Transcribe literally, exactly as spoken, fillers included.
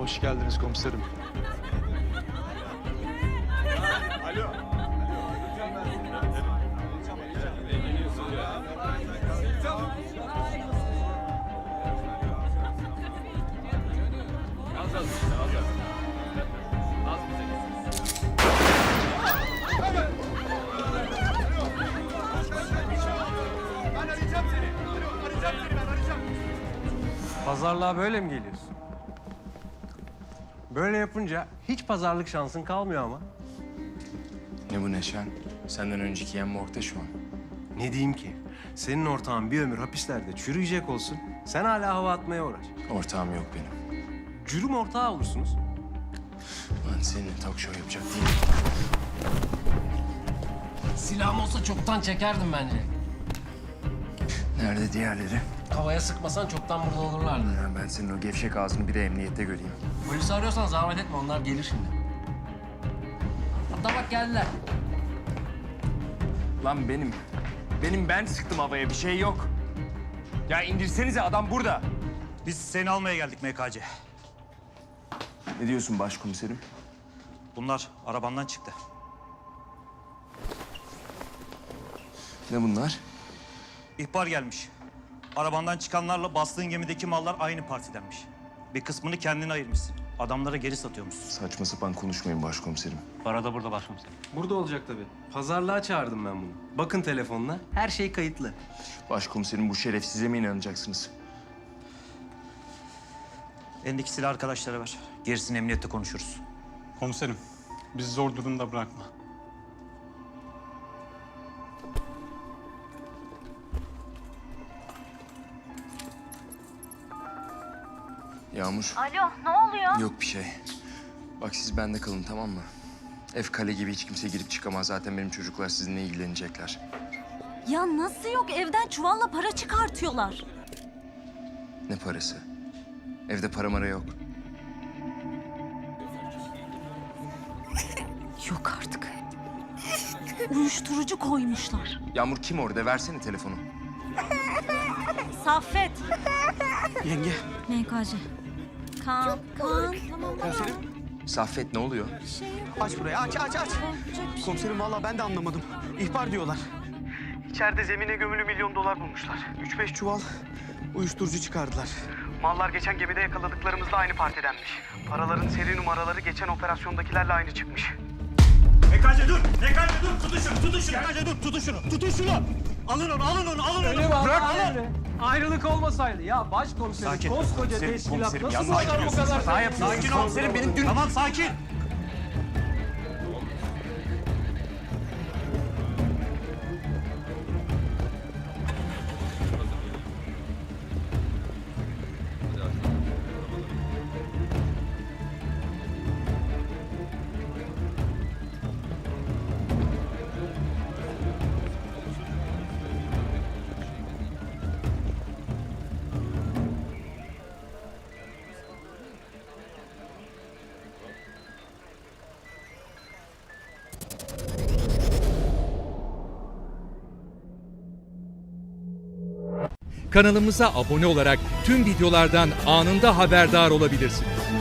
Hoş geldiniz komiserim. Alo. Az az işte, az az. Az bize gitsin. Ben arayacağım seni. Alo, arayacağım seni, ben arayacağım. Pazarlığa böyle mi geliyorsun? Böyle yapınca hiç pazarlık şansın kalmıyor ama. Ne bu Neşen? Senden önceki yem morgda şu an. Ne diyeyim ki? Senin ortağın bir ömür hapislerde çürüyecek olsun. Sen hala hava atmaya uğraş. Ortağım yok benim. Cürüm ortağı olursunuz. Ben seninle talk show yapacak değilim. Silahım olsa çoktan çekerdim bence. Nerede diğerleri? Havaya sıkmasan çoktan burada olurlardı. Ya ben senin o gevşek ağzını bir de emniyette göreyim. Polisi arıyorsan zahmet etme, onlar gelir şimdi. Hatta bak geldiler. Lan benim, benim ben sıktım havaya, bir şey yok. Ya indirsenize, adam burada. Biz seni almaya geldik M K C. Ne diyorsun başkomiserim? Bunlar arabandan çıktı. Ne bunlar? İhbar gelmiş. Arabandan çıkanlarla bastığın gemideki mallar aynı partidenmiş. Bir kısmını kendine ayırmışsın. Adamlara geri satıyormuşsun. Saçma sapan konuşmayın başkomiserim. Para da burada başkomiserim. Burada olacak tabii. Pazarlığa çağırdım ben bunu. Bakın telefonla. Her şey kayıtlı. Başkomiserim bu şerefsize mi inanacaksınız? Elindeki silah arkadaşlara ver. Gerisini emniyette konuşuruz. Komiserim, bizi zor durumda bırakma. Yağmur. Alo, ne oluyor? Yok bir şey. Bak siz bende kalın, tamam mı? Ev kale gibi, hiç kimse girip çıkamaz. Zaten benim çocuklar sizinle ilgilenecekler. Ya nasıl yok? Evden çuvalla para çıkartıyorlar. Ne parası? Evde para mara yok. Yok artık. Uyuşturucu koymuşlar. Yağmur kim orada? Versene telefonu. Saffet. Yenge. M K C. Kaan, Kaan. Tamam, tamam. Saffet ne oluyor? Şey yok. Aç burayı, aç, aç, aç. Olacak bir şey. Komiserim vallahi ben de anlamadım. İhbar diyorlar. İçeride zemine gömülü milyon dolar bulmuşlar. Üç beş çuval uyuşturucu çıkardılar. Mallar geçen gemide yakaladıklarımızla aynı partidenmiş. Paraların seri numaraları geçen operasyondakilerle aynı çıkmış. M K C dur! M K C dur! Tutun şunu! Tutun şunu! M K C dur! Tutun şunu! Tutun şunu! Alın onu! Alın onu! Alın onu! Öyle mi? Bırak Bırak onu! Ayrılık olmasaydı. Ya başkomiserim, Sakin. koskoca Komiserim, teşkilat komiserim, nasıl yalnız bu sakin kadar bu olsun. kadar... Hata yapıyorsun. Sakin ol. Komiserim benim dün... Tamam sakin. Kanalımıza abone olarak tüm videolardan anında haberdar olabilirsiniz.